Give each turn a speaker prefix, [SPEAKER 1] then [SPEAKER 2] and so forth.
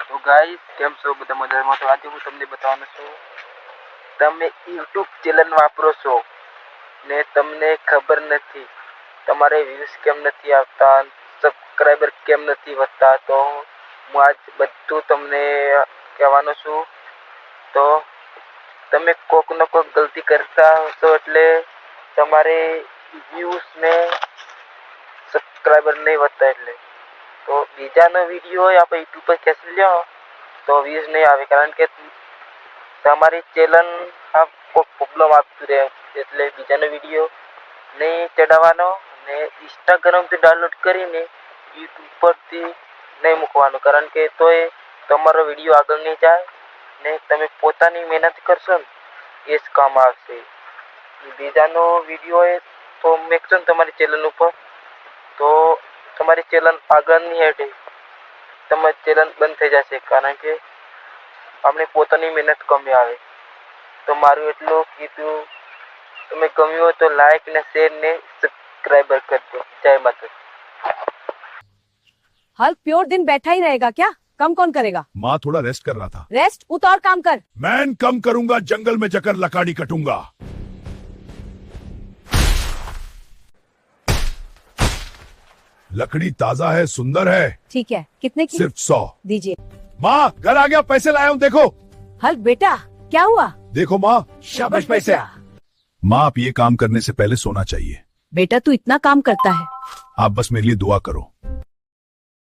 [SPEAKER 1] તો ગાઈસ કેમ છો બધા મજામાં? તો આજે હું તમને બતાવવાનો છું, તમે YouTube ચેનલ વાપરો છો ને તમને ખબર નથી તમારે વ્યૂઝ કેમ નથી આવતા, સબસ્ક્રાઇબર કેમ નથી વધતા, તો હું આજ બધું તમને કહેવાનો છું. તો તમે કોક ન કોક ગલતી કરતા હશો એટલે તમારે વ્યૂઝ ને સબસ્ક્રાઇબર નહીં વધતા, એટલે તો બીજાનો વિડીયો હોય આપણે યુટ્યુબ પર ખેંચી લ્યો તો વ્યૂઝ નહીં આવે, કારણ કે તમારી ચેનલ આ કોઈ પ્રોબ્લેમ આપતું રહે, એટલે બીજાનો વિડીયો નહીં ચડાવવાનો ને ઇન્સ્ટાગ્રામથી ડાઉનલોડ કરીને યુટ્યુબ પરથી નહીં મૂકવાનો, કારણ કે તો એ તમારો વિડીયો આગળ નહીં જાય ને તમે પોતાની મહેનત કરશો ને એ જ કામ આવશે. બીજાનો વિડીયો હોય તો મેકશો ને તમારી ચેનલ ઉપર તો તમારી ચેનલ આગળ નહીં હેઠે, તમારી ચેનલ બંધ થઈ જશે, કારણ કે આપણે પોતાની મહેનત કમી આવે. તો મારું એટલું કીધું, તમે ગમ્યું હોય તો લાઈક ને શેર ને સબસ્ક્રાइबर કરજો. જય માતા.
[SPEAKER 2] हल्क प्योर दिन बैठा ही रहेगा क्या? कम कौन करेगा?
[SPEAKER 3] माँ थोड़ा रेस्ट कर रहा था.
[SPEAKER 2] रेस्ट उत और काम कर.
[SPEAKER 3] मैं कम करूंगा, जंगल में जाकर लकड़ी कटूंगा. लकड़ी ताजा है, सुंदर है.
[SPEAKER 2] ठीक है, कितने की?
[SPEAKER 3] सिर्फ 100.
[SPEAKER 2] दीजिए.
[SPEAKER 3] माँ घर आ गया, पैसे लाया हूँ, देखो.
[SPEAKER 2] हल्क बेटा क्या हुआ?
[SPEAKER 3] देखो माँ, शाबाश पैसे. माँ आप ये काम करने से पहले सोना चाहिए.
[SPEAKER 2] बेटा तू इतना काम करता है.
[SPEAKER 3] आप बस मेरे लिए दुआ करो.